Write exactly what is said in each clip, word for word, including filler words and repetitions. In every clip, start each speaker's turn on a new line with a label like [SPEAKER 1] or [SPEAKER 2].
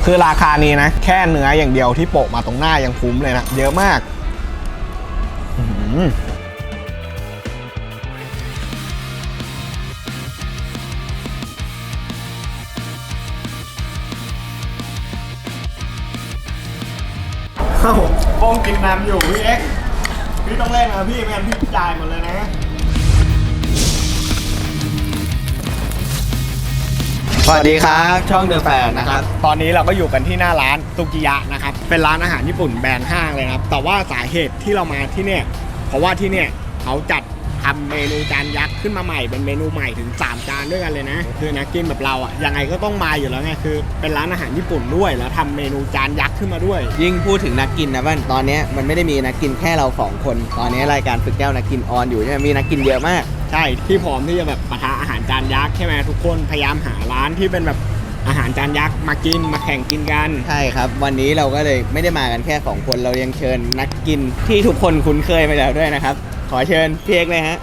[SPEAKER 1] คือราคานี้นะแค่เนื้ออย่างเดียวที่โปะมาตรงหน้ายังคุ้มเลยนะเยอะมากเอ้าป้องกินน้ำอยู่พี่เอ็กพี่ต้องเล่นนะพี่ไม่งั้นพี่จ่ายหมดเลยนะสวัสดีครับช่องเดอะแฟนนะครับตอนนี้เราก็อยู่กันที่หน้าร้านซุกิยะนะครับเป็นร้านอาหารญี่ปุ่นแบรนด์ห้างเลยครับแต่ว่าสาเหตุที่เรามาที่เนี่ยเพราะว่าที่เนี่ยเขาจัดทำเมนูจานยักษ์ขึ้นมาใหม่เป็นเมนูใหม่ถึงสามจานด้วยกันเลยนะคือนักกินแบบเราอ่ะยังไงก็ต้องมาอยู่แล้วไงคือเป็นร้านอาหารญี่ปุ่นด้วยแล้วทำเมนูจานยักษ์ขึ้นมาด้วย
[SPEAKER 2] ยิ่งพูดถึงนักกินนะบ้านตอนนี้มันไม่ได้มีนักกินแค่เราสองคนตอนนี้รายการฝึกแก้วนักกินออนอยู่ใช่ไหมมีนักกินเยอะมาก
[SPEAKER 1] ใช่ที่พร้อมที่จะแบบปะทะอาหารจานยักษ์ใช่ไหมทุกคนพยายามหาร้านที่เป็นแบบอาหารจานยักษ์มากินมาแข่งกินกัน
[SPEAKER 2] ใช่ครับวันนี้เราก็เลยไม่ได้มากันแค่สองคนเรายังเชิญนักกินที่ทุกคนคุ้นเคยไปแล้วด้วยนะครับขอเชิญพี่เอกเลยฮะ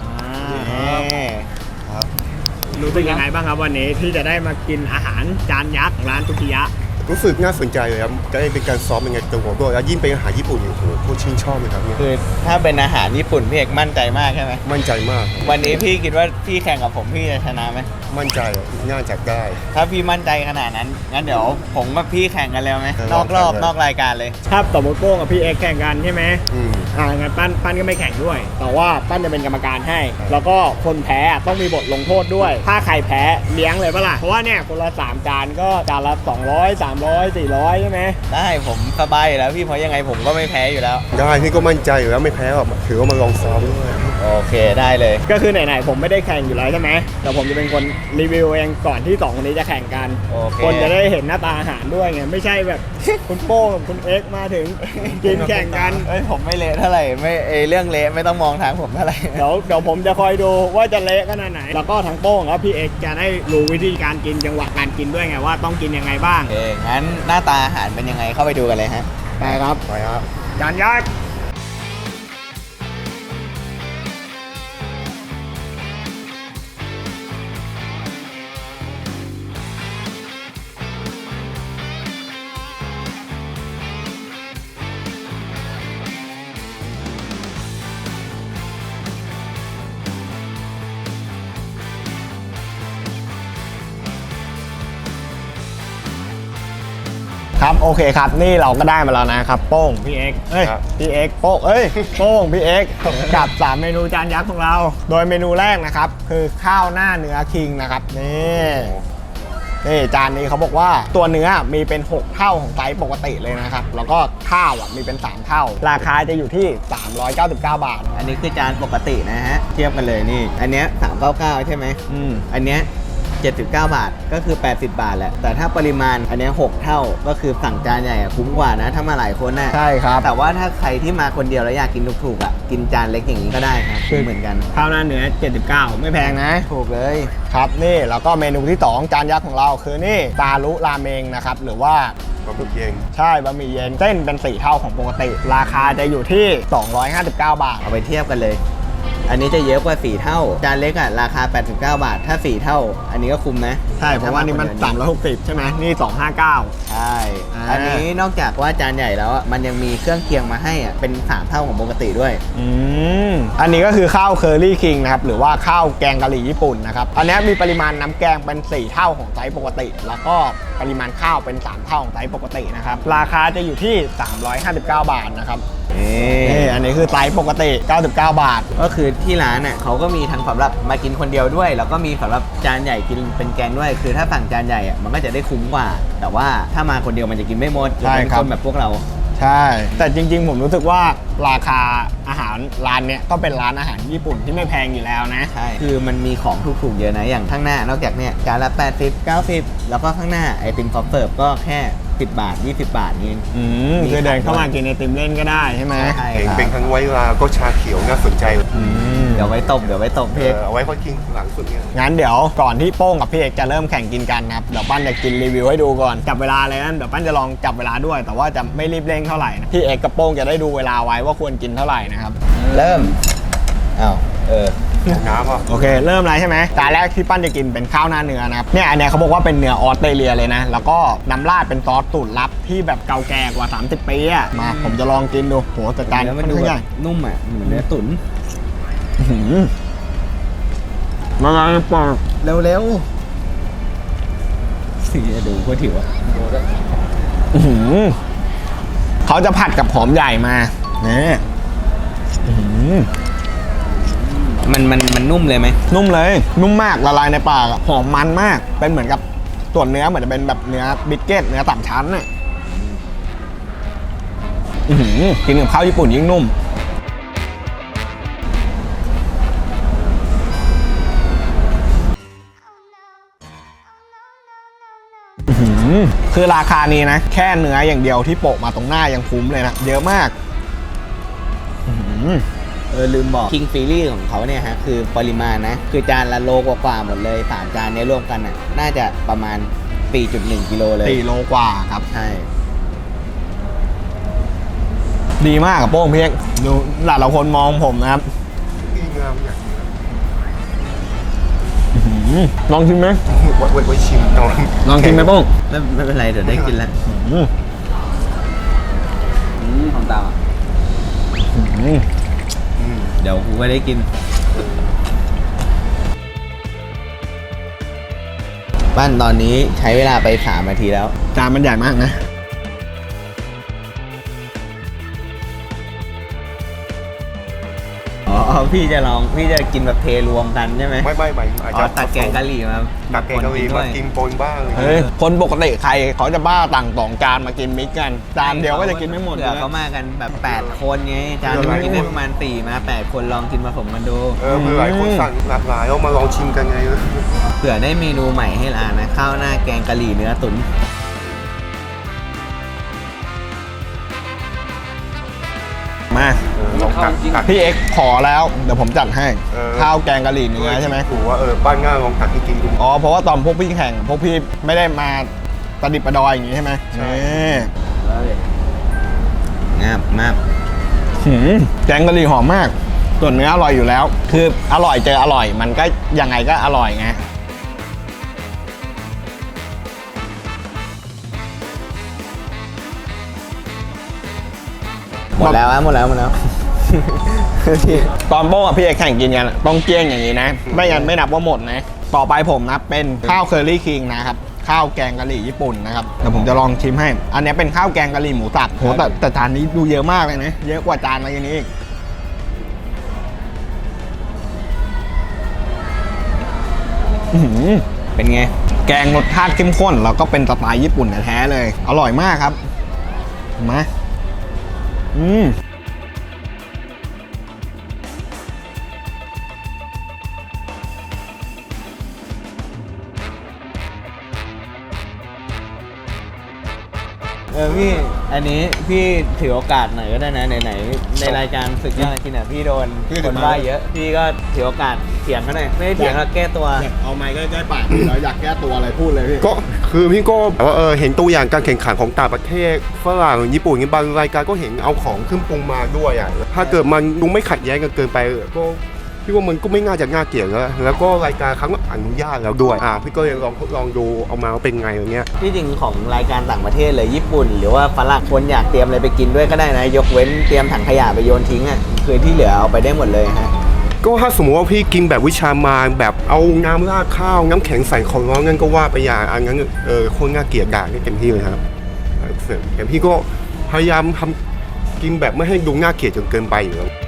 [SPEAKER 1] รู้สึกยังไงบ้างครับวันนี้ที่จะได้มากินอาหารจานยักษ์ร้านซุกิยะ
[SPEAKER 3] รู้สึกน่าสนใจเลยครับก็เป็นการซ้อมเป็นไงตัวผมด้วยแล้วยิ่งเป็นอาหารญี่ปุ่นโอ้โหโคตรชื่นชอบเลยครับเนี่ย
[SPEAKER 2] คือถ้าเป็นอาหารญี่ปุ่นพี่เอกมั่นใจมากใช่ไหม
[SPEAKER 3] มั่นใจมาก
[SPEAKER 2] วันนี้พี่คิดว่าพี่แข่งกับผมพี่จะชนะไหม
[SPEAKER 3] มั่นใจน่าจะได้
[SPEAKER 2] ถ้าพี่มั่นใจขนาดนั้นงั้นเดี๋ยวผมกับพี่แข่งกันแล้วไหมนอกรอบนอกรายการเลย
[SPEAKER 1] ถ้าสมมติโป้งกับพี่เอ็กแข่งกันใช่ไหมอืมอ่างั้นปั้นปั้นก็ไม่แข่งด้วยแต่ว่าปั้นจะเป็นกรรมการให้แล้วก็คนแพ้ต้องมีบทลงโทษด้วยถ้าใครแพ้เลี้ยงเลยปะล่ะเพราะว่าเนี่ยคนละสามจานก็จานละสองร้อย สามร้อย สี่ร้อยใช่ไหม
[SPEAKER 2] ได้ผมสบายอยู่แล้วพี่เพราะยังไงผมก็ไม่แพ้อยู่แล้ว
[SPEAKER 3] ได้พี่ก็มั่นใจอยู่แล้วไม่แพ้หรอกถือว่ามาลองซ้อมด้วย
[SPEAKER 2] โอเคได้เลย
[SPEAKER 1] ก็คือไหนๆผมไม่ได้แข่งอยู่แล้วใช่ไหมแต่ผมจะเป็นคนรีวิวเองก่อนที่สองคนนี้จะแข่งกันคนจะได้เห็นหน้าตาอาหารด้วยไงไม่ใช่แบบคุณโป้กับคุณเอ็กมาถึงกินแข่งกัน
[SPEAKER 2] เอ้ยผมไม่เละเท่าไหร่ไม่เอเรื่องเละไม่ต้องมองทางผมเท่าไหร่
[SPEAKER 1] เดี๋ยวเดี๋ยวผมจะคอยดูว่าจะเละขนาดไหนแล้วก็ทั้งโป้งแล้วพี่เอ็กจะได้รู้วิธีการกินจังหวะการกินด้วยไงว่าต้องกินยังไงบ้าง
[SPEAKER 2] โอเคงั้นหน้าตาอาหารเป็นยังไงเข้าไปดูกันเลยฮะ
[SPEAKER 1] ไปครับ
[SPEAKER 3] ไปครับ
[SPEAKER 1] จานยักษ์ครับโอเคครับนี่เราก็ได้มาแล้วนะครับโป้งพี่เอ็กเอ้ยพี่เอ็กโป้งเอ้ยโป้งพี่เอ็กกับสามเมนูจานยักษ์ของเราโดยเมนูแรกนะครับคือข้าวหน้าเนื้อคิงนะครับนี่นี่จานนี้เขาบอกว่าตัวเนื้อมีเป็นหกเท่าของไซส์ปกติเลยนะครับแล้วก็ข้าวอ่ะมีเป็นสามเท่าราคาจะอยู่ที่สามร้อยเก้าสิบเก้าบาท
[SPEAKER 2] อันนี้คือจานปกตินะฮะเทียบกันเลยนี่อันเนี้ยสามร้อยเก้าสิบเก้าใช่ไหมอืมอันเนี้ยเจ็ดสิบเก้าบาทก็คือแปดสิบบาทแหละแต่ถ้าปริมาณอันนี้หกเท่าก็คือสั่งจานใหญ่คุ้มกว่านะถ้ามาหลายคนน่ะ
[SPEAKER 1] ใช่ครับ
[SPEAKER 2] แต่ว่าถ้าใครที่มาคนเดียวแล้วอยากกินถูกๆอ่ะกินจานเล็กอย่างนี้ก็ได้ครับคือเหมือนกัน
[SPEAKER 1] ข้าวหน้าเนื้อเจ็ดสิบเก้าไม่แพงนะ
[SPEAKER 2] ถูกเลย
[SPEAKER 1] ครับนี่แล้วก็เมนูที่สองจานยักษ์ของเราคือนี่ซารุราเมงนะครับหรือว่า
[SPEAKER 3] บะหมี่เย็น
[SPEAKER 1] ใช่บะหมี่เย็นเส้นเป็นสี่เท่าของปกติราคาจะอยู่ที่สองร้อยห้าสิบเก้าบาท
[SPEAKER 2] เอาไปเทียบกันเลยอันนี้จะเยอะกว่าสี่เท่าจานเล็กอ่ะราคาแปดสิบเก้าบาทถ้าสี่เท่าอันนี้ก็คุ้มนะ
[SPEAKER 1] ใช่เพราะว่านี่มันสามร้อยหกสิบใช่ไหมนี่สองร้อยห้าสิบเก้า
[SPEAKER 2] ใช่อันนี้นอกจากว่าจานใหญ่แล้วมันยังมีเครื่องเคียงมาให้อ่ะเป็นสามเท่าของปกติด้วย
[SPEAKER 1] อืมอันนี้ก็คือข้าวเคอรี่คิงนะครับหรือว่าข้าวแกงกะหรี่ญี่ปุ่นนะครับอันนี้มีปริมาณน้ำแกงเป็นสี่เท่าของไซส์ปกติแล้วก็ปริมาณข้าวเป็นสามเท่าของไซส์ปกตินะครับราคาจะอยู่ที่สามร้อยห้าสิบเก้าบาทนะครับนี่อันนี้คือไซส์ปกติเก้าสิบเก้าบาท
[SPEAKER 2] ก็คือที่ร้านน่ะเขาก็มีทั้งสำหรับมากินคนเดียวด้วยแล้วก็มีสำหรับจานใหญ่กินเป็นแกงด้วยคือถ้าสั่งจานใหญ่อ่ะมันก็จะได้คุ้มกว่าแต่ว่าถ้ามาคนเดียวมันจะกินไม่หมดเป็นคนแบบพวกเรา
[SPEAKER 1] ใช่แต่จริงๆผมรู้สึกว่าราคาอาหารร้านเนี้ยก็เป็นร้านอาหารญี่ปุ่นที่ไม่แพงอยู่แล้วนะ
[SPEAKER 2] ใช่คือมันมีของถูกๆเยอะนะอย่างข้างหน้านอกจากเนี้ยจานละแปดสิบ เก้าสิบแล้วก็ข้างหน้าไอติมซอฟต์เสิร์ฟก็แค่สิบบาทยี่สิบบาทนี่
[SPEAKER 1] อืมคือเดินเข้ามากินไอติมเล่นก็ได้ใช่ไหม
[SPEAKER 2] ใช่
[SPEAKER 3] ครับเป็นทั้งไวน์ลาก็ชาเขียวน่าสนใจ
[SPEAKER 2] เดี๋ยวไว้ตบเดี๋ยวไว้ตบพี่
[SPEAKER 3] เอาไว้ค่อยกินหลังสุดเนี่ย
[SPEAKER 1] งั้นเดี๋ยวก่อนที่โป้งกับพี่เอกจะเริ่มแข่งกินกันนะครับเดี๋ยวปั้นจะกินรีวิวให้ดูก่อนจับเวลาเลยนะเดี๋ยวปั้นจะลองจับเวลาด้วยแต่ว่าจะไม่รีบเร่งเท่าไหร่นะพี่เอกกับโป้งจะได้ดูเวลาไว้ว่าควรกินเท่าไหร่นะครับ
[SPEAKER 2] เริ่มอ้าวเออ
[SPEAKER 3] เอาน้ำอ่ะ
[SPEAKER 1] โอเค เริ่มเลยใช่ไหมจานแรกที่ปั้นจะกินเป็นข้าวหน้าเนื้อนะครับเนี่ยอันเนี้ยเขาบอกว่าเป็นเนื้อออสเตรเลียเลยนะ แล้วก็น้ำราดเป็นซอสสูตรลับที่แบบเก่าแก่กว่า สามสิบ ปีอ่ะมาผมจะลองกินดูโหแต่จาน
[SPEAKER 2] แล้ว
[SPEAKER 1] ค่
[SPEAKER 2] มั
[SPEAKER 1] อน น
[SPEAKER 2] ดู
[SPEAKER 1] ข้าง
[SPEAKER 2] แบ
[SPEAKER 1] ใหญ่
[SPEAKER 2] บนุ่มอ่ะเหมือนเนื้อตุ๋น
[SPEAKER 1] อื้อหือมาไงปอก
[SPEAKER 2] เร็วๆสีดูโคตรถิวอ่ะ
[SPEAKER 1] อื้อหือเขาจะผัดกับหอมใหญ่มาเนี่ยอื้อหือ
[SPEAKER 2] มันมันมันนุ่มเลยไหม
[SPEAKER 1] นุ่มเลยนุ่มมากละลายในปากอะหอมมันมากเป็นเหมือนกับส่วนเนื้อเหมือนจะเป็นแบบเนื้อบิสเกตเนื้อสามชั้นน่ะอื้อหือกินกับข้าวญี่ปุ่นยิ่งนุ่มอื้อหือคือราคานี้นะแค่เนื้ออย่างเดียวที่โปะมาตรงหน้ายังคุ้มเลยนะเยอะมากอื้อหือ
[SPEAKER 2] เออลืมบอกคิงฟีรี่ของเขาเนี่ยฮะคือปริมาณนะ คือจานละโลกว่าๆหมดเลยสามจานเนี้รวมกันอ่ะน่าจะประมาณ สี่จุดหนึ่ง กิโลเลย
[SPEAKER 1] สี่โลกว่าครับ
[SPEAKER 2] ใช่
[SPEAKER 1] ดีมากกับโป้งเพียงดูหลายเราคนมองผมนะครับ
[SPEAKER 3] ดีงามอย่างนี้
[SPEAKER 1] อื้อหือลองชิมไหม
[SPEAKER 3] ไว้ไว้ไว้ชิมตอน
[SPEAKER 1] ลองชิมไหมโป้ง
[SPEAKER 2] ไม่ไม่เป็นไรเดี๋ยวได้กินแล้ว
[SPEAKER 1] อื้อ
[SPEAKER 2] อืมของตา
[SPEAKER 1] หือ
[SPEAKER 2] เดี๋ยวกูก็ได้กินบ้านตอนนี้ใช้เวลาไปสามนาทีแล้ว
[SPEAKER 1] จานมันใหญ่มากนะ
[SPEAKER 2] อ๋อพี่จะลองพี่จะกินแบบเทรวมกันใช่ไหม
[SPEAKER 3] ไม่ไม่ไม่อาจ
[SPEAKER 2] อ๋
[SPEAKER 3] จะ
[SPEAKER 2] อตักแกงกะหรี่มา
[SPEAKER 3] ตักแกงกะหรี่มากินปนบ้าง
[SPEAKER 1] เฮ้ย คนปกติใครเขาจะบ้าต่างสองจานมากินมิกกัน จานเดียวก็จะกินไม่หมด
[SPEAKER 2] เผื่อเขามากันแบบแปดคนไงจานนึงกินได้ประมาณสี่มาแปดคนลองกินผสมกันดู
[SPEAKER 3] เออคือหลายคนสั่งหลากหลายเอามาลองชิมกันไง
[SPEAKER 2] เผื่อได้เมนูใหม่ให้ร้านนะข้าวหน้าแกงกะหรี่เนื้อตุ๋น
[SPEAKER 1] มา
[SPEAKER 3] เออลองตักตัก
[SPEAKER 1] พี่เอ็กซ์ขอแล้ว เดี๋ยวผมจัดให้
[SPEAKER 3] เออ
[SPEAKER 1] ข้าวแกงกะหรี่เนื้อใช่ไหม
[SPEAKER 3] ถูกว่าเออบ้านง่าลองตักให้กินดู
[SPEAKER 1] อ๋อ เพราะว่าตอนพวกพี่แข่ง พวกพี่ไม่ได้มาประดิษฐ์ประดอยอย่างนี้ใช่ไหม
[SPEAKER 3] ใช่
[SPEAKER 1] นี่
[SPEAKER 2] งาบมาก
[SPEAKER 1] หืมแกงกะหรี่หอมมาก ส่วนเนื้ออร่อยอยู่แล้ว คืออร่อยเจออร่อย มันก็ยังไงก็อร่อยไง
[SPEAKER 2] หมดแล้วอะหมดแล้วหมดแล้ว
[SPEAKER 1] ตอนโป้งกับพี่เอกแข่งกินกันอะต้องเกลี้ยงอย่างนี้นะ ไม่งั้นไม่นับว่าหมดนะ ต่อไปผมนับเป็นข้าวเคอรี่คิงนะครับ ข้าวแกงกะหรี่ญี่ปุ่นนะครับเดี๋ยวผมจะลองชิมให้ อันนี้เป็นข้าวแกงกะหรี่หมูสับโหแต่แต่จานนี้ดูเยอะมากเลยนะ เยอะกว่าจานอะไรนี้อีกอื้อหือ
[SPEAKER 2] เป็นไง
[SPEAKER 1] แกงรสชาติเข้มข้นแล้วก็เป็นสไตล์ญี่ปุ่นแท้ๆเลย อร่อยมากครับมาอืม
[SPEAKER 2] เออพี่อันนี้พี่ถือโอกาสหน่อยก็ได้นะไหนๆในรายการศึกยอดกินอ่ะพี่โดน
[SPEAKER 1] พี่
[SPEAKER 2] ค
[SPEAKER 1] ถึ
[SPEAKER 2] น
[SPEAKER 1] งมา
[SPEAKER 2] ว่าเยอะ พี่ก็ถือโอกาสเถียงเขาหน่อยไม่ได้เถียงหรอกแก้ตัว
[SPEAKER 1] เอาไม้ใกล้ๆปากพี่เราอยากแก้ตัวอะไรพูดเลยพี่
[SPEAKER 3] ก็คือพี่ก็แบบว่าเออเห็นตัวอย่างการแข่งขันของต่างประเทศฝรั่งญี่ปุ่นอย่างบางรายการก็เห็นเอาของขึ้นปรุงมาด้วยอ่ะถ้าเกิดมันดูไม่ขัดแย้งกันเกินไปเออก็พี่ว่ามันก็ไม่น่าจะน่าเกลียดแล้วแล้วก็รายการครั้งอนุญาตแล้วด้วยอ่าพี่ก็เลยลองทดลองดูเอามาว่าเป็นไงอย่างเงี้ย
[SPEAKER 2] ที่จริงของรายการต่างประเทศเลยญี่ปุ่น หรือว่าฝรั่งคนอยากเตรียมอะไรไปกินด้วยก็ได้นะ ยกเว้นเตรียมถังขยะไปโยนทิ้งอ่ะคือที่เหลือเอาไปได้หมดเลยฮะ
[SPEAKER 3] ก็ถ้าสมมติว่าพี่กินแบบวิชามานแบบเอาน้ำราดข้าวน้ำแข็งใส่ของร้อนงั้นก็ว่าไปอย่างอันนั้นเออคนน่าเกลียดด่าได้เต็มที่เลยครับแต่พี่ก็พยายามทำกินแบบไม่ให้ดูน่าเกลียดจนเกินไปอยู่แล้ว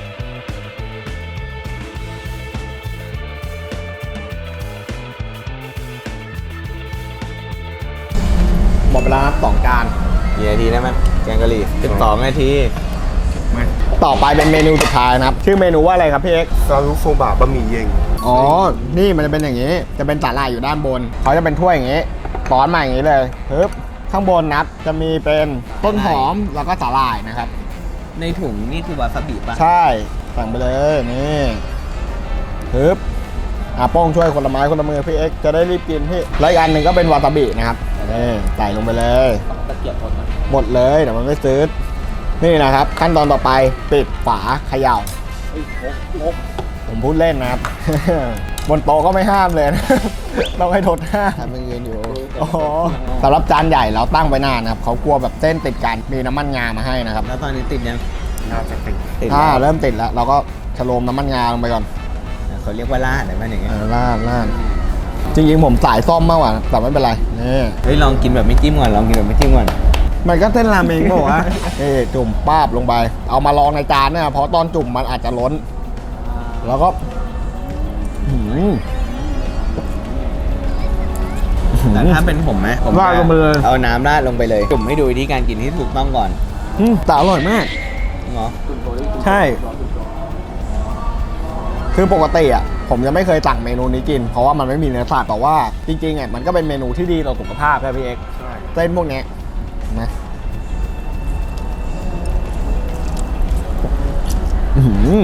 [SPEAKER 1] หมดเวลาสองจาน
[SPEAKER 2] กี่นาทีได้ไหมแกงกะหรี่สิบสองนาที
[SPEAKER 1] ต่อไปเป็นเมนูสุดท้ายนะครับ ชื่อเมนูว่าอะไรครับพี่เอ็กซ์
[SPEAKER 3] ซารุโซบะบะหมี่เย็น
[SPEAKER 1] อ๋อ นี่มันจะเป็นอย่างนี้ จะเป็นสาหร่ายอยู่ด้านบน เขาจะเป็นถ้วยอย่างนี้ซ้อนมาอย่างนี้เลยปึ๊บข้างบนนับจะมีเป็นต้นหอมแล้วก็สาหร่ายนะครับ
[SPEAKER 2] ในถุงนี่คือวาซาบิป่ะ
[SPEAKER 1] ใช่สั่งไปเลยนี่ปึ๊บอ่ะโป้งช่วยคนละไม้คนละมือพี่เอ็กซ์จะได้รีบกินพี่แล้วอีกอันหนึ่งก็เป็นวาซาบินะครับนี่ใส่ลงไปเลย
[SPEAKER 2] ตะเกียบหมดนะ
[SPEAKER 1] หมดเลยเดี๋ยวมันไม่ซื้อนี่นะครับ ขั้นตอนต่อไปปิดฝาเขย่าผมพูดเล่นนะครับ บนโต๊ะก็ไม่ห้ามเลยนะ ต้องให้ทดห้า
[SPEAKER 2] ทำเป็นเงินอยู่
[SPEAKER 1] อ๋อสำหรับจานใหญ่เราตั้งไปนานนะครับเขากลัวแบบเส้นติดกันมีน้ำมันงามาให้นะครับ
[SPEAKER 2] แล้วตอนนี้ติดยัง
[SPEAKER 3] น่าจะติด
[SPEAKER 2] ติด
[SPEAKER 1] ถ้า
[SPEAKER 2] แล้ว
[SPEAKER 1] เริ่มติดแล้ว เราก็ชโลมน้ำมันงาลงไปก่อน
[SPEAKER 2] เขาเรียกว่าล่าดอะไรบ้างอย่างเงี้ย
[SPEAKER 1] เออลาดลาดจริงๆผมสายซ่อมมากกว่าแต่ไม่เป็นไรนี่
[SPEAKER 2] เฮ้ยลองกินแบบไม่จิ้มก่อนลองกินแบบไม่จิ้มก่อน
[SPEAKER 1] มันก็เส้นราเมงเปล่าวะ เอ้จุ่มป้าบลงไป เอามาลองในจานเนี่ยเพราะตอนจุ่มมันอาจจะล้น แล้วก็หืม
[SPEAKER 2] แต่ถ้าเป็นผมไหมผม
[SPEAKER 1] ราดลงไปเลย
[SPEAKER 2] เอาน้ำราดลงไปเลยจุ่มให้ดูวิธีการกินที่ถูกต้องก่อน
[SPEAKER 1] อืมแต่อร่อยมาก
[SPEAKER 2] เนาะ
[SPEAKER 1] ใช่ คือปกติอ่ะ ผมยังไม่เคยสั่งเมนูนี้กิน เพราะว่ามันไม่มีเนื้อสัตว์แต่ว่าจริงๆอ่ะมันก็เป็นเมนูที่ดีต่อสุขภาพใช่พี่เอก
[SPEAKER 3] ใช่
[SPEAKER 1] เส้นพวกเนี้ยนะอื้อหือ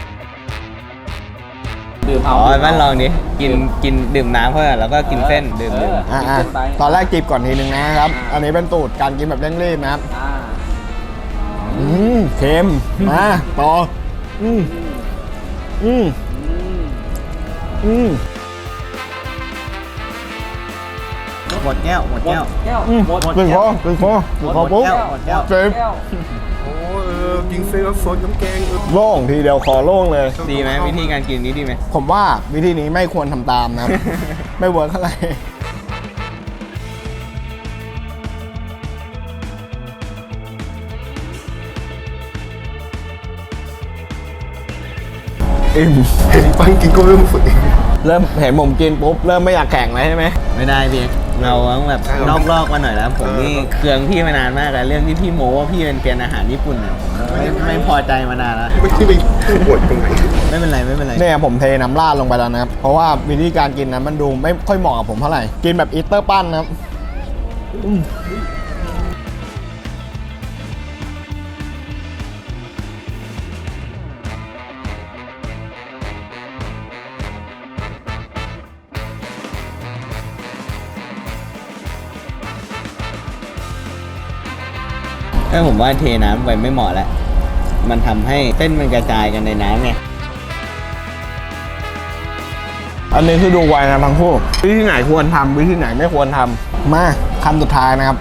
[SPEAKER 4] ดื่ม
[SPEAKER 2] อ๋
[SPEAKER 4] เอา
[SPEAKER 2] อแม่นลองดิกินกินดื่มน้ำเพื่อนแล้วก็กินเส้นดื่มดื่ม
[SPEAKER 1] อ่าๆตอนแรกจิบก่อนทีนึงนะครับ อันนี้เป็นสูตรการกินแบบเร่งรีบนะครับ
[SPEAKER 4] อ่า
[SPEAKER 1] อืมเค็มมาต่ออืมอืม
[SPEAKER 4] อืม
[SPEAKER 1] อืม
[SPEAKER 2] หมดแก้วหมด
[SPEAKER 4] หมด
[SPEAKER 2] แก้ว
[SPEAKER 4] แก้ว
[SPEAKER 1] อืม
[SPEAKER 4] หมด
[SPEAKER 1] เป็นคอเป็นคอเป็นคอปุ๊บ
[SPEAKER 2] หมดแก้ว
[SPEAKER 1] เจ็บ
[SPEAKER 4] แก้ว
[SPEAKER 3] โอ้เออกินเส้นแล้วซดน้ำแกงเออ
[SPEAKER 1] โล่งทีเดียวคอโล่งเลย
[SPEAKER 2] ดีไหมวิธีการกินนี้ดีไหม
[SPEAKER 1] ผมว่าวิธีนี้ไม่ควรทำตามนะครับ ไม่เวิร์กเท่าไหร่อิ่ม
[SPEAKER 3] เห็นปังกินก็เริ่มฝึก
[SPEAKER 1] เริ่มเห็นผมกินปุ๊บ เริ่มไม่อยากแข่งเลยใช่ไหม
[SPEAKER 2] ไม่ได้พี่เอกเราต้องแบบนอกรอบมาหน่อยแล้ว ผมนี่เคืองพี่มานานมากแล้วเรื่องที่พี่โม้ว่าพี่เป็นเกณฑ์อาหารญี่ปุ่นเนี่ยผมไม่ไม่พอใจมานานแล้ว
[SPEAKER 3] ไม่ที่ไปปวดตรงไหน
[SPEAKER 2] ไม่เป็นไรไม่เป็นไร
[SPEAKER 1] เนี่ยผมเทน้ำราดลงไปแล้วนะครับ เพราะว่าวิธีการกินนั้นมันดูไม่ค่อยเหมาะกับผมเท่าไหร่ กินแบบอีสเตอร์ปั้นนะครับอืม
[SPEAKER 2] ถ้าผมว่าเทน้ำไปไม่เหมาะแล้ว มันทำให้เส้นมันกระจายกันในน้ำไง
[SPEAKER 1] อันนี้คือดูไวนะทั้งคู่วิธีไหนควรทำวิธีไหนไม่ควรทำมาคำสุดท้ายนะครับ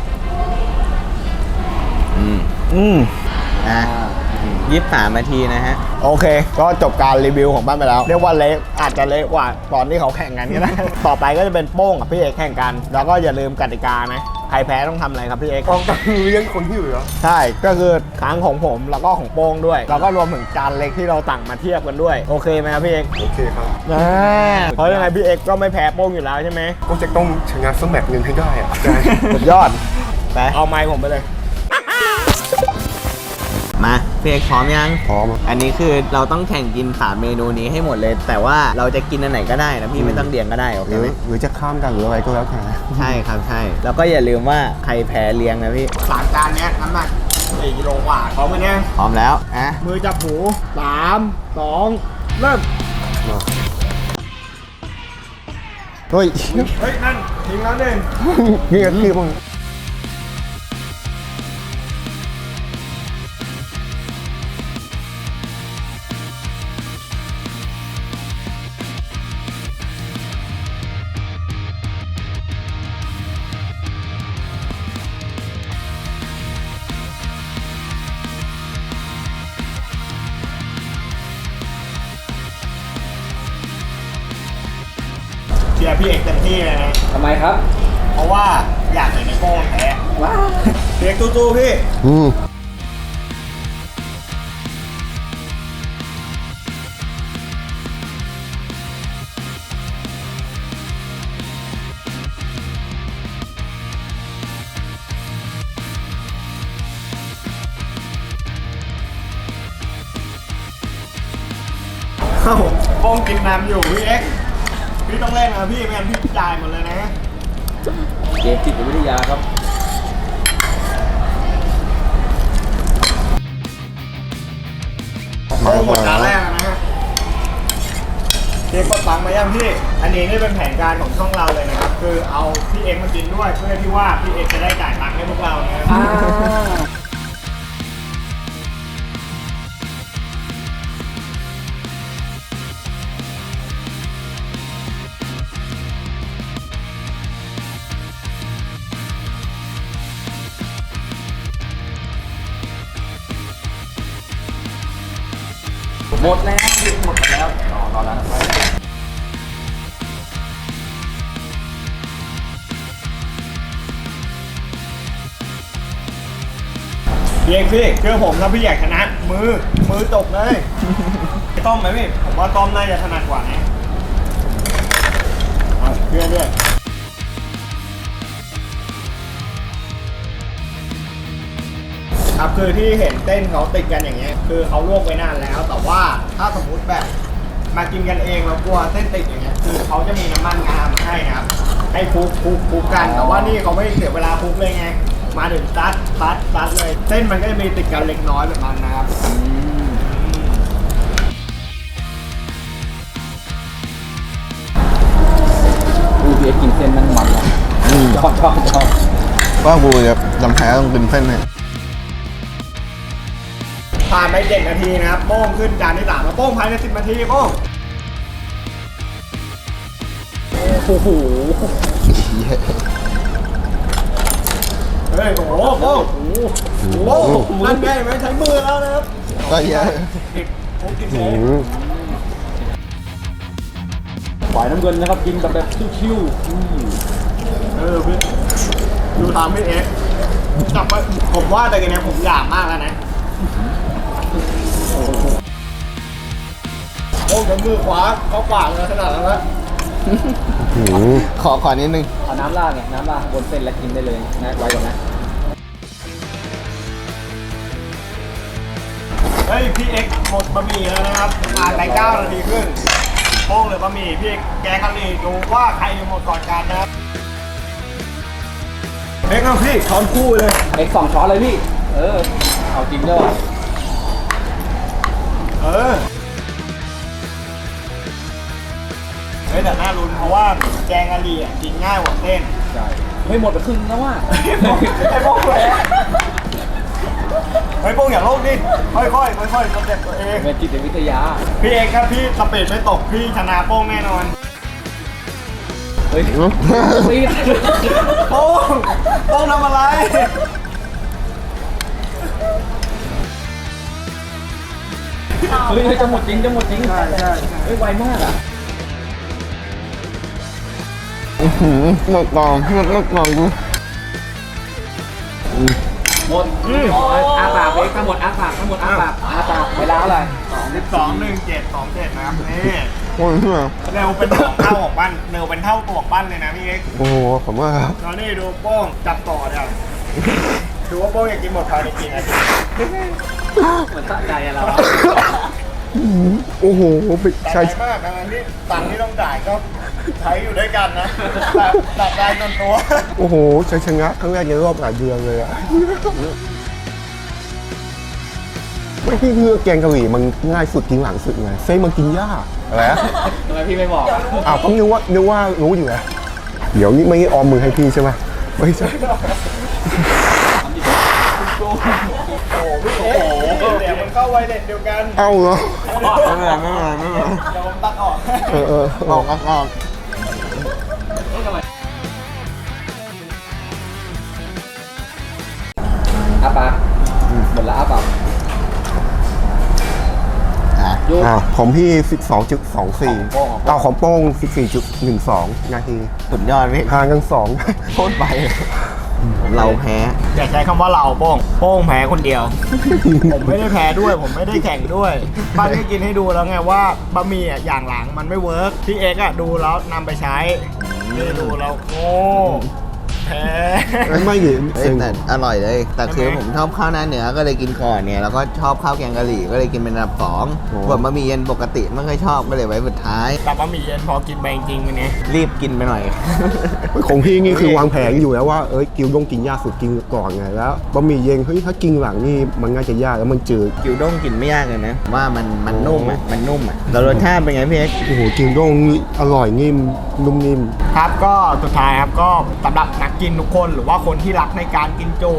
[SPEAKER 2] อืม
[SPEAKER 1] อืม
[SPEAKER 2] อ่ะยี่สิบสามนาทีนะฮะ
[SPEAKER 1] โอเค ก็จบการรีวิวของบ้านไปแล้ว เรียกว่าเละอาจจะเละกว่าตอนที่เขาแข่งกันก็ได้ ต่อไปก็จะเป็นโป้งกับพี่เอกแข่งกัน แล้วก็อย่าลืมกติกานะ ใครแพ้ต้องทำอะไรครับพี่เอก
[SPEAKER 3] กองตังเลี้ยงคนที่เหลือ
[SPEAKER 1] ใช่ ก็คือค้างของผมแล้วก็ของโป้งด้วย แล้วก็รวมถึงจานเล็กที่เราสั่งมาเทียบกันด้วย โอเคไหมครับพี่เอก
[SPEAKER 3] โอเคครับ
[SPEAKER 1] อ่าเพราะยังไงพี่เอกก็ไม่แพ้โป้งอยู่แล้วใช่ไหม
[SPEAKER 3] ก็จะต้องชนะสมัครเงินให้ได้อะใช่
[SPEAKER 1] สุดยอด
[SPEAKER 2] ไป
[SPEAKER 1] เอาไมค์ผมไปเลย
[SPEAKER 2] มาพี่เอกพร้อมยัง
[SPEAKER 3] พร้อมอะ
[SPEAKER 2] อันนี้คือเราต้องแข่งกินสามเมนูนี้ให้หมดเลย แต่ว่าเราจะกินอันไหนก็ได้นะพี่ไม่ต้องเรียงก็ได้โอ
[SPEAKER 3] ห
[SPEAKER 2] เค
[SPEAKER 3] รือ
[SPEAKER 2] ไหม
[SPEAKER 3] หรือจะข้ามกันหรืออะไรก็แล้วแต่
[SPEAKER 2] ใช่ครับใช่ แล้วก็อย่าลืมว่าใครแพ้เลี้ยงนะพี่
[SPEAKER 1] สามจานเนี้ยน้ำหนักสี่กิโลกว่าพร้อมกันเนี่ย
[SPEAKER 2] พร้อมแล้วอ่ะ
[SPEAKER 1] มือจับหูสามสองเริ่ม เฮ้ย เฮ้ย นั่นทิ้งแล้วหนึ่งนี่ก็คือมึงเชียร์พี่เอกเต็มที่เลยนะ
[SPEAKER 4] ทำไมครับ
[SPEAKER 1] เพราะว่าอยากเห็นในโป้งแพ้ว้าวพี่เอกสู้ๆพี่
[SPEAKER 3] อืม
[SPEAKER 1] เอ้าโป้งกินน้ำอยู่พี่เอกพี่ต้องเล่นนะพี่ไม่งั้นพี่จ่ายหมดเลยนะ
[SPEAKER 4] เกมจิตวิทยาครับ
[SPEAKER 1] โป้งหมดจานแรกแล้วนะฮะพี่เอกกดตังค์มายังพี่ อันนี้นี่เป็นแผนการของช่องเราเลยนะครับ คือเอาพี่เอกมากินด้วยเพื่อที่ว่าพี่เอกจะได้จ่ายตังค์ให้พวกเรานะครับ
[SPEAKER 4] อ่าหมดแล้วหมดแล้วต่อตอนนั้นไป
[SPEAKER 1] พี่เอกพี่เชื่อผมถ้าพี่อยากชนะมือมือตกเลยต้มไหมพี่ผมว่าต้มน่าจะถนัดกว่านะเอาเชื่อด้วยครับคือที่เห็นเต้นเขาติดกันอย่างเงี้ยคือเขาลวกไว้นานแล้วแต่ว่าถ้าสมมุติแบบมากินกันเองเรากลัวเส้นติดอย่างเงี้ยคือเขาจะมีน้ำมันงามาให้นะครับให้คลุกคลุกคลุกกันแต่ว่านี่เขาไม่เสียเวลาคลุกเลยไงมาถึงซัดซัดซัดเลยเส้นมันก็จะมีติดกันเล็กน้อยแบบนั้นนะครับ
[SPEAKER 4] อูเบียกินเส้นมันมันอ่ะชอบชอบชอบ
[SPEAKER 2] ว่ากูจะจำแพ้ต้องกินเส้นเนี่ย
[SPEAKER 1] ผ่านไปเจ็ดนาทีนะครับโป้งขึ้นจานที่สามแล้วโป้งภายในสิบนาทีโป้งโอ้โหเฮ้ยโอ้โหโป้งโอ้โหนั่นไงไม่ใช้มือแล้วนะครับ
[SPEAKER 2] ก็เยอะ
[SPEAKER 1] โป้งกินเอง
[SPEAKER 4] ฝ่ายน้ำเงินนะครับกินแบบแบบชิว
[SPEAKER 1] เออพี่ดูทำพี่เอ็กซ์กลับไปผมว่าแต่กันเนี้ยผมอยากมากแล้วนะโอ้กับมือขวาเขาขวางเลยขนาดนั้นแล้ว
[SPEAKER 2] ขอขอนิดนึง
[SPEAKER 4] ๆเอาน้ำราดไงน้ำราดบนเส้นแล้วกินได้เลยนะไว้ก่อนนะ
[SPEAKER 1] เฮ้ยพี่เอ็กซ์หมดบะหมี่แล้วนะครับผ่านไปเก้านาทีครึ่งโป้งเลยบะหมี่พี่เอ็กซ์แกงกะหรี่ดูว่าใครจะหมดก่อนกันนะครับเอ็กซ์เอาพี่ช้อนคู่เลย
[SPEAKER 4] เอ็กซ์สองช้อนเลยพี่เออเอาจริงด้วย
[SPEAKER 1] เออเฮ้ยแต่น่าลุ้นเพราะว่าแกงกะหรี่อ่ะกินง่ายกว่าเส้น
[SPEAKER 4] ใช่เฮ้ยหมดไปครึ่งแล้วว่ะ
[SPEAKER 1] ไอ้โป้งไอ้โป้งเลยไอ้โป้งอย่าโลกดิค่อยๆค่อยๆสเต็ปตัวเอง
[SPEAKER 4] เป็นจิตวิทยา
[SPEAKER 1] พี่เอกครับพี่สปีดไม่ตกพี่ชนะโป้งแน่นอน
[SPEAKER 4] เฮ้ยซีด
[SPEAKER 1] โป้งโป้งทำอะไร
[SPEAKER 4] เฮ้ยจะหมดจริงจะหมดจริงใช่ใช่เฮ้ยไวมากอ่ะ
[SPEAKER 2] หมดกล่องหมดหมดกล่องกู
[SPEAKER 4] หมดอาปากเอ็กซ์ทั้งหมดอาปากทั้งหมดอาปากอาปากเวลาเท่าไหร่
[SPEAKER 1] สิบสองหนึ่งเจ็ดสองเจ็ดนะครับนี่
[SPEAKER 2] โอ้ยเพื่อ
[SPEAKER 1] เร็วเป็นสองเท่าของปั้นเร็วเป็นเท่าตัวของปั้นเลยนะพี่เอก
[SPEAKER 2] โอ้โหผมว่า
[SPEAKER 1] ตอนนี้ดูโป้งจับต่อเดี๋ยวดูว่าโป้งอยากกินหมดภายในกี่นาที
[SPEAKER 4] เหมือนสะใจอะเรา
[SPEAKER 3] โอ้โหไป
[SPEAKER 1] แต่
[SPEAKER 3] ใช้
[SPEAKER 1] ใจมากนะที่ตังค์ที่ต้องจ่ายก็ใช้อยู่ด้วยกันนะแต่ตัดได้จนตัว
[SPEAKER 3] โอ้โหใช้ชนะครั้งแรกในรอบหลายเดือนเลยอะไม่พี่คือแกงกะหรี่มันง่ายสุดกินหลังสุดไงเส้นมันกินยากอะไรอะ
[SPEAKER 4] ทำไมพี่ไม่บอก
[SPEAKER 3] อ้าวก็นึกว่านึกว่ารู้อยู่แล้วเดี๋ยวนี้ไม่ได้ออมมือให้พี่ใช่ไหมไม่ใช่
[SPEAKER 1] โอ้โหพี่เอ๊ะเดี๋ยวมันเข้าไวเลสเดียวกัน
[SPEAKER 3] เอ้าเหรอ
[SPEAKER 2] ไม่เป็นไรไม่เป็นไรไม่เป็นไร
[SPEAKER 1] เดี๋ยวผมตัดออก
[SPEAKER 3] เออเออ
[SPEAKER 2] ออกออกออก
[SPEAKER 4] อาปากหมดละอาปาก
[SPEAKER 2] อ่ะ
[SPEAKER 4] โยก
[SPEAKER 3] อ่าของพี่ สิบสองจุดสองสี่
[SPEAKER 4] ของโป้ง
[SPEAKER 3] เอาของโป้ง สิบสี่จุดหนึ่งสอง นาที
[SPEAKER 2] สุดยอดพี่
[SPEAKER 3] ห่างกันสอง
[SPEAKER 2] โคตรไปเราแพ้
[SPEAKER 1] อย่าใช้คำว่าเราโป้งโป้งแพ้คนเดียว ผมไม่ได้แพ้ด้วย ผมไม่ได้แข่งด้วยป้าได้กินให้ดูแล้วไงว่าบะหมี่อ่ะอย่างหลังมันไม่เวิร์กพี่เอ็กซ์อ่ะดูแล้วนำไปใช้นี่ดูแล้วโอ้แพ้
[SPEAKER 3] ไม่ดิ
[SPEAKER 2] เอ้ยแต่อร่อยเลย แต่คือผมชอบข้าวหน้าเนื้อก็เลยกินก่อนเนี่ย แล้วก็ชอบข้าวแกงกะหรี่ก็เลยกินเป็นอันดับสองส่วนบะหมี่เย็นปกติไม่เคยชอบก็เลยไว้สุดท้าย
[SPEAKER 1] แต่บะหมี่เย็นพอกินไปจริงๆวันนี้
[SPEAKER 2] รีบกินไปหน่อย
[SPEAKER 3] ของพี่นี่คือวางแผนอยู่แล้วว่าเอ้ยกิวต้องกินยากสุดกินก่อนไงแล้วบะหมี่เย็นเฮ้ยถ้ากินหลังนี่มันง่ายจะยากแล้วมันจืด
[SPEAKER 2] กิวด้งกินไม่ยากเลยนะ ว่ามันมันนุ่มอ่ะ มันนุ่มอ่ะแล้วรสชาติเป็นไงพี่เอ็กซ์
[SPEAKER 3] โอ้โหกิวด้งนี่อร่อยนิ่มนุ่มนิ่ม
[SPEAKER 1] ครับก็สุดท้ายครับก็สำหรับนักกินทุกคนหรือว่าคนที่รักในการกินจุ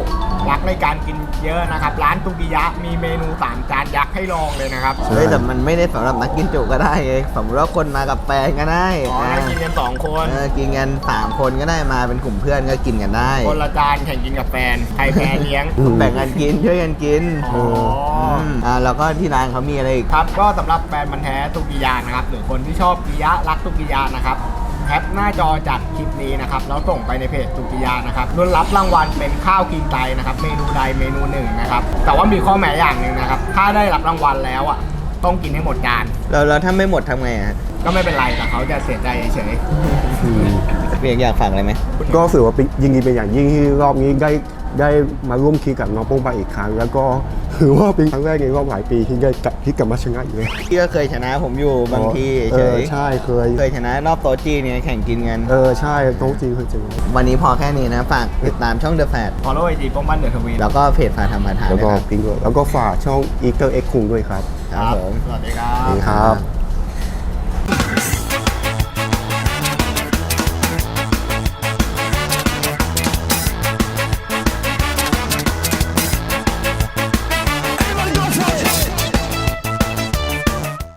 [SPEAKER 1] รักในการกินเยอะนะครับร้านตุกิยะมีเมนูสามจานยักษ์ให้ลองเลยนะครับ
[SPEAKER 2] เฮ้ยแต่มันไม่ได้สำหรับนักกินจุก็ได้ไงสมมติว่าคนมากับแฟนก็ได้
[SPEAKER 1] อ๋อให้กินกันสองคน
[SPEAKER 2] เออกินกันสามคนก็ได้มาเป็นกลุ่มเพื่อนก็กินกันได้
[SPEAKER 1] คนละจานแข่งกินกับแฟนใครแพ้เลี้ยง
[SPEAKER 2] แบ่งกันกินช่วยกันกิน
[SPEAKER 1] อ๋ออื
[SPEAKER 2] มอ่าแล้วก็ที่ร้านเขามีอะไรอีก
[SPEAKER 1] ครับก็สำหรับแฟนมันธุ์แท้ตุกิยานะครับหรือคนที่ชอบกิยะรักตุกิยานะครับแคปหน้าจอจากคลิปนี้นะครับแล้วส่งไปในเพจตุกิยานะครับรุ่นรับรางวัลเป็นข้าวกินไตนะครับเมนูใดเมนูหนึ่งนะครับแต่ว่ามีข้อแม้อย่างหนึ่งนะครับถ้าได้รับรางวัลแล้วอ่ะต้องกินให้หมดจาน
[SPEAKER 2] แล้วแล้วถ้าไม่หมดทำไงอ่ะ
[SPEAKER 1] ก็ไม่เป็นไรแต่เขาจะเสียใจเฉย
[SPEAKER 2] เพียงอยากฝากอะไรไหม
[SPEAKER 3] ก็ถือว่าเป็นยินดีเป็นอย่างยิ่งที่รอบนี้ได้ได้มาร่วมคิดกับน้องโป้งไปอีกครั้ง แล้วก็ถือว่าเป็นครั้งแรกในรอบหลายปีที่ได้กลับที่กลับมาชนะอยู่เลย
[SPEAKER 2] พี่ก็เคยชนะผมอยู่บางที
[SPEAKER 3] เอ
[SPEAKER 2] เฉ
[SPEAKER 3] อย ใช่เคย
[SPEAKER 2] เคยชนะรอบโต๊ะจีนเนี่ยแข่งกินกัน
[SPEAKER 3] เออใช่โต๊ะจีนเคยเจอ
[SPEAKER 2] วันนี้พอแค่นี้นะ ฝากติดตามช่อง The Fat
[SPEAKER 1] ๆ follow ไอจีป้องบ้านเดอะทวี
[SPEAKER 2] แล้วก็เพจฝาทำมาทาน
[SPEAKER 3] แล้ว
[SPEAKER 2] ด้วย
[SPEAKER 3] ก็
[SPEAKER 2] ครับ
[SPEAKER 3] พิงค์ด้วยแล้วก็ฝากช่อง Easter Egg คุงด้วยครับ
[SPEAKER 2] ครับผม
[SPEAKER 1] สวัสดีครั
[SPEAKER 3] นี่
[SPEAKER 1] บ
[SPEAKER 3] ครับ